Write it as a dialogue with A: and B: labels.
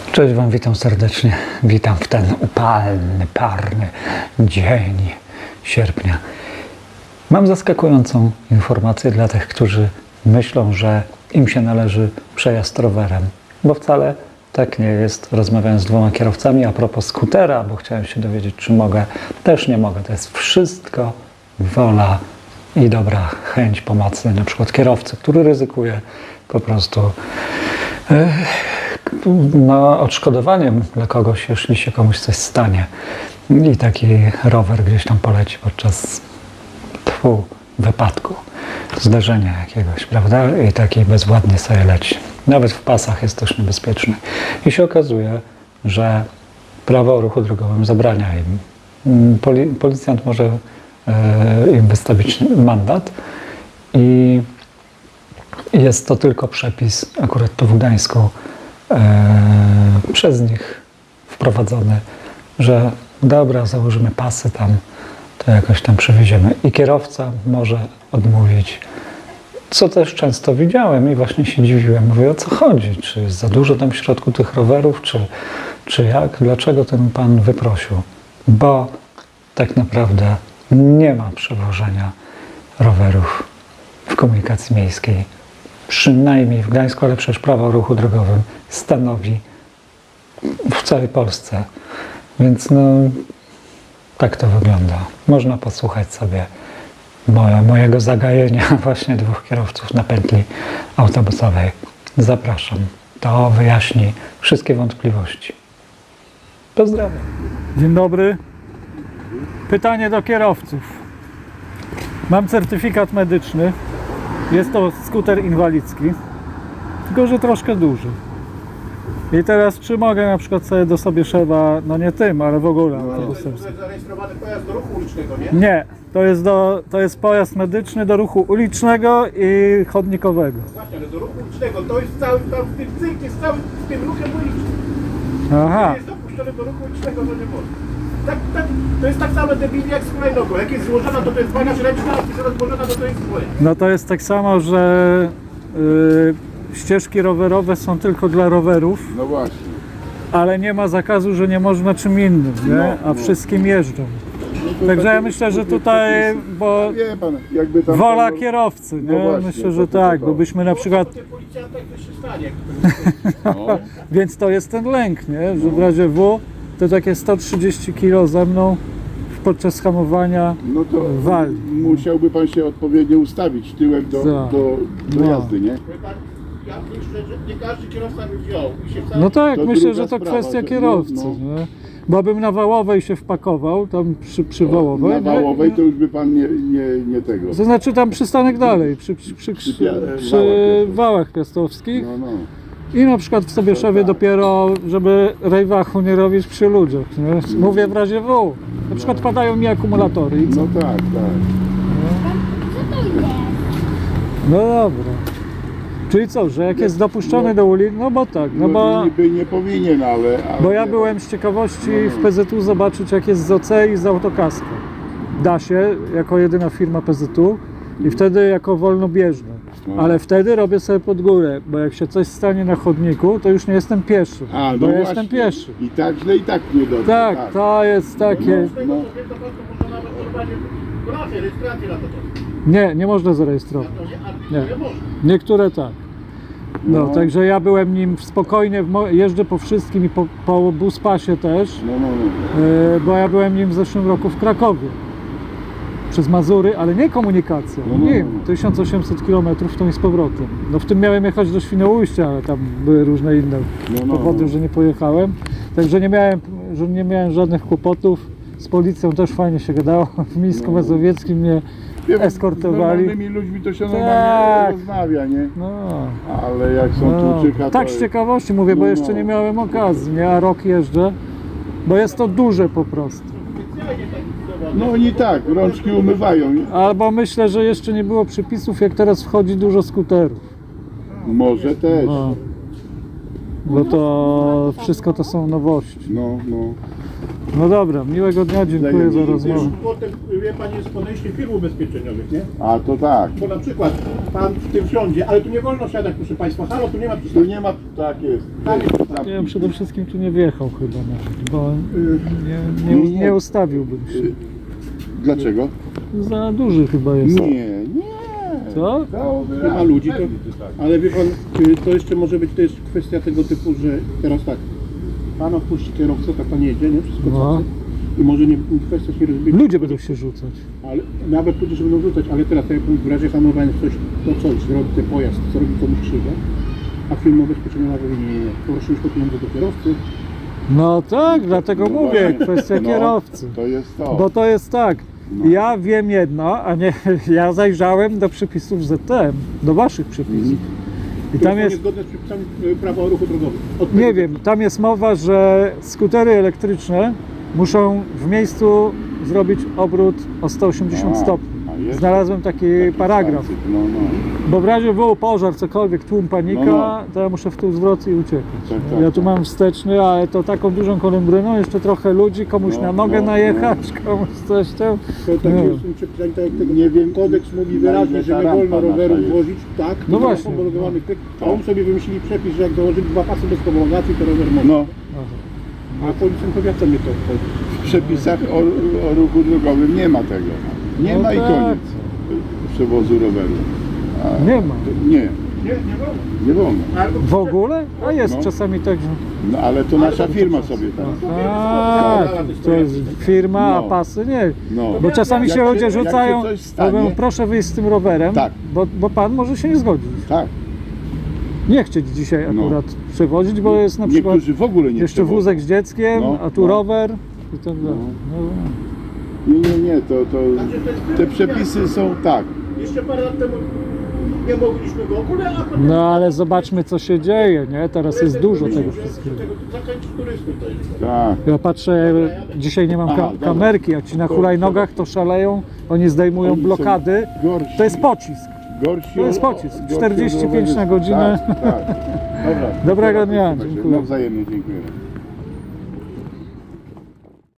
A: Cześć Wam, witam serdecznie. Witam w ten upalny, parny dzień sierpnia. Mam zaskakującą informację dla tych, którzy myślą, że im się należy przejazd rowerem, bo wcale tak nie jest. Rozmawiałem z dwoma kierowcami a propos skutera, bo chciałem się dowiedzieć, czy mogę. Też nie mogę. To jest wszystko wola i dobra chęć pomocy, na przykład kierowcy, który ryzykuje po prostu odszkodowaniem dla kogoś, jeśli się komuś coś stanie i taki rower gdzieś tam poleci podczas wypadku, zdarzenia jakiegoś, prawda? I taki bezwładnie sobie leci. Nawet w pasach jest też niebezpieczny. I się okazuje, że prawo o ruchu drogowym zabrania im. Policjant może im wystawić mandat i jest to tylko przepis, akurat tu w Gdańsku, przez nich wprowadzony, że dobra, założymy pasy tam, to jakoś tam przewieziemy. I kierowca może odmówić, co też często widziałem i właśnie się dziwiłem. Mówię, o co chodzi? Czy jest za dużo tam w środku tych rowerów, czy jak? Dlaczego ten pan wyprosił? Bo tak naprawdę nie ma przewożenia rowerów w komunikacji miejskiej. Przynajmniej w Gdańsku, ale przecież prawo o ruchu drogowym stanowi w całej Polsce. Więc no, tak to wygląda. Można posłuchać sobie mojego zagajenia właśnie dwóch kierowców na pętli autobusowej. Zapraszam. To wyjaśni wszystkie wątpliwości. Pozdrawiam.
B: Dzień dobry. Pytanie do kierowców. Mam certyfikat medyczny. Jest to skuter inwalidzki, tylko że troszkę duży. I teraz czy mogę na przykład sobie do Sobieszewa, no nie tym, ale w ogóle autobusem.
C: To jest zarejestrowany pojazd do ruchu ulicznego, nie?
B: Nie, to jest pojazd medyczny do ruchu ulicznego i chodnikowego.
C: Właśnie, ale do ruchu ulicznego, to jest cały, tam w tym cykl jest cały z tym ruchem ulicznym.
B: Aha,
C: Nie jest dopuszczony do ruchu ulicznego, to nie może. To jest tak samo debilnie jak z hulajnogą. Jak jest złożona, to jest bagaż ręczna, a jak jest rozłożona, to jest pojazd.
B: no to jest tak samo, że ścieżki rowerowe są tylko dla rowerów,
D: No właśnie.
B: ale nie ma zakazu, że nie można czym innym, nie? A wszystkim jeżdżą. Także ja myślę, że tutaj, bo
D: Wie pan, jakby tam...
B: wola kierowcy, nie?
D: No właśnie,
B: Myślę, że
D: to
B: tak,
D: to.
B: bo byśmy na przykład,
C: Tym policjantem coś się stanie.
D: No,
B: więc to jest ten lęk, nie? Że w razie W to takie 130 kg ze mną podczas hamowania
D: no to
B: wali.
D: musiałby pan się odpowiednio ustawić tyłem do
B: No.
D: jazdy, nie?
C: Ja myślę, że nie każdy kierowca by wziął. I się wcale...
B: No tak,
D: To
B: myślę,
D: druga
B: że to
D: sprawa,
B: kwestia
D: że-
B: kierowcy,
D: no.
B: nie? Bo bym na Wałowej się wpakował, tam przy Wałowej,
D: Na
B: nie?
D: Wałowej to już by pan nie tego.
B: To znaczy tam przystanek dalej, przy Wałach Piastowskich.
D: No.
B: I na przykład w Sobieszewie dopiero, żeby rejwachu nie robić przy ludziach, nie? Mówię w razie W. Na przykład padają mi akumulatory i co?
D: No tak.
B: No dobra. Czyli co, że jak jest dopuszczony do ulicy, no bo tak, no bo...
D: niby nie powinien, ale
B: Bo ja byłem z ciekawości w PZU zobaczyć, jak jest z OC i z autokaską. Da się, jako jedyna firma PZU i wtedy jako wolnobieżny. Ale wtedy robię sobie pod górę, bo jak się coś stanie na chodniku, to już nie jestem pieszy,
D: A, no
B: bo ja
D: właśnie.
B: jestem pieszy.
D: I tak źle, i tak niedobrze.
B: Tak, to jest takie...
C: Z tego co wiem, to pan to można nawet normalnie rejestrację na to.
B: Nie można zarejestrować.
C: Nie.
B: Nie. Niektóre tak. No,
D: No.
B: także ja byłem nim spokojnie, jeżdżę po wszystkim i po buspasie też,
D: No.
B: bo ja byłem nim w zeszłym roku w Krakowie. Przez Mazury, ale nie komunikacja,
D: No.
B: nim, 1800 km w tą i z powrotem. No w tym miałem jechać do Świnoujścia, ale tam były różne inne
D: No.
B: powody, że nie pojechałem. Także nie miałem żadnych kłopotów. Z policją też fajnie się gadało. W Mińsku Mazowieckim mnie
D: Wie pan,
B: eskortowali.
D: Z normalnymi ludźmi to się
B: Tak.
D: normalnie rozmawia, nie?
B: No.
D: Ale jak są
B: No,
D: tłuczyka,
B: tak
D: to...
B: z ciekawości mówię, bo
D: No,
B: jeszcze
D: no.
B: nie miałem okazji, nie? A rok jeżdżę, bo jest to duże po prostu.
D: No oni tak, rączki umywają.
B: Albo myślę, że jeszcze nie było przepisów, jak teraz wchodzi dużo skuterów.
D: Może też.
B: No. Bo to wszystko to są nowości.
D: No.
B: No dobra, miłego dnia, dziękuję za rozmowę.
C: Potem, wie Pan, jest podejście firm ubezpieczeniowych, nie?
D: A to tak.
C: Bo na przykład Pan w tym wsiądzie, ale tu nie wolno siadać, proszę Państwa. Halo, tu nie ma
D: Tu
C: przystanku.
D: nie ma, tak jest.
B: Ja bym przede wszystkim tu nie wjechał chyba nawet, bo nie ustawiłbym się.
D: Dlaczego?
B: Za duży chyba jest.
D: Nie.
B: Co?
C: Nie ma ludzi, to, ale wie Pan, to jeszcze może być, to jest kwestia tego typu, że teraz tak, Pan opuści kierowcę, tak Pan jedzie, nie? Wszystko
B: No.
C: cacy. I może nie, kwestia się rozbić.
B: Ludzie będą się rzucać.
C: Ale nawet ludzie się będą rzucać, ale teraz tak jak w razie hamowania coś zrobi ten pojazd, zrobi komuś krzywdę, a firma ubezpieczeniowa mówi nie, proszę już po pieniądze do kierowcy.
B: No tak, dlatego mówię,
D: właśnie.
B: kwestia kierowcy.
D: To jest to.
B: Bo to jest tak, ja wiem jedno, a nie, ja zajrzałem do przepisów ZTM, do waszych przepisów. I tam
C: To
B: jest,
C: niezgodne z przepisami prawa o ruchu drogowym. Od
B: nie
C: tego-
B: wiem, tam jest mowa, że skutery elektryczne muszą w miejscu zrobić obrót o 180 stopni.
D: a jest
B: Znalazłem taki paragraf.
D: stacyk, No.
B: Bo w razie był pożar, cokolwiek, tłum, panika,
D: No.
B: to ja muszę w tył zwrot i uciekać.
D: Tak,
B: Ja tu
D: tak.
B: mam wsteczny, ale to taką dużą kolumbrzyną, jeszcze trochę ludzi, komuś
D: No,
B: na nogę
D: no,
B: najechać, komuś coś tam.
C: To tak
B: Nie.
C: jest w tym przepisaniu, tak jak tego
D: Nie wiem,
C: kodeks mówi
D: na
C: wyraźnie,
D: ile
C: że
D: ta
C: nie wolno
D: rampa
C: rowerów
D: nasza jest.
C: wozić, tak,
B: No
C: tylko
B: właśnie.
C: na homologowany pyk, a on sobie wymyślili przepis, że jak założyli 2 pasy bez homologacji, to rower może.
D: No,
C: A policjant powiata mnie to obchodzi.
D: w przepisach o ruchu drogowym nie ma tego. Nie
B: No
D: ma i
B: tak.
D: koniec przewozu roweru. A,
B: Nie ma.
D: Nie,
C: Nie wolno.
D: nie wolno.
B: W ogóle? A jest
D: No.
B: czasami tak, że...
D: No ale to nasza firma sobie tak.
B: Tak, to jest firma, a
D: No.
B: pasy nie.
D: No.
B: Bo czasami
D: Jak
B: się ludzie
D: jak
B: rzucają,
D: coś stanie,
B: mówią, proszę wyjść z tym rowerem,
D: Tak.
B: bo pan może się nie zgodzić.
D: tak.
B: Nie chcieć dzisiaj
D: No.
B: akurat przewozić, bo jest na przykład
D: Niektórzy w ogóle nie
B: jeszcze
D: przewożą.
B: wózek z dzieckiem,
D: No,
B: a tu
D: no.
B: rower i tak dalej.
D: Nie, to te przepisy są tak.
C: Jeszcze parę lat temu nie mogliśmy go ogólnie, a potem...
B: No ale zobaczmy co się dzieje, nie? Teraz jest dużo tego wszystkiego.
C: Zakręcić turystów to jest.
D: Tak.
B: Ja patrzę, dzisiaj nie mam
D: Aha, dobra.
B: kamerki, jak ci na hulajnogach to szaleją, oni zdejmują
D: Oni są
B: blokady,
D: gorsi.
B: to jest pocisk.
D: Gorsi
B: To jest
D: od-
B: pocisk.
D: gorsi
B: 45
D: od rowerzystów.
B: na godzinę.
D: Tak, tak. Dobra.
B: Dobrego dnia,
D: Trzymaj się.
B: dziękuję.
D: No wzajemnie dziękuję.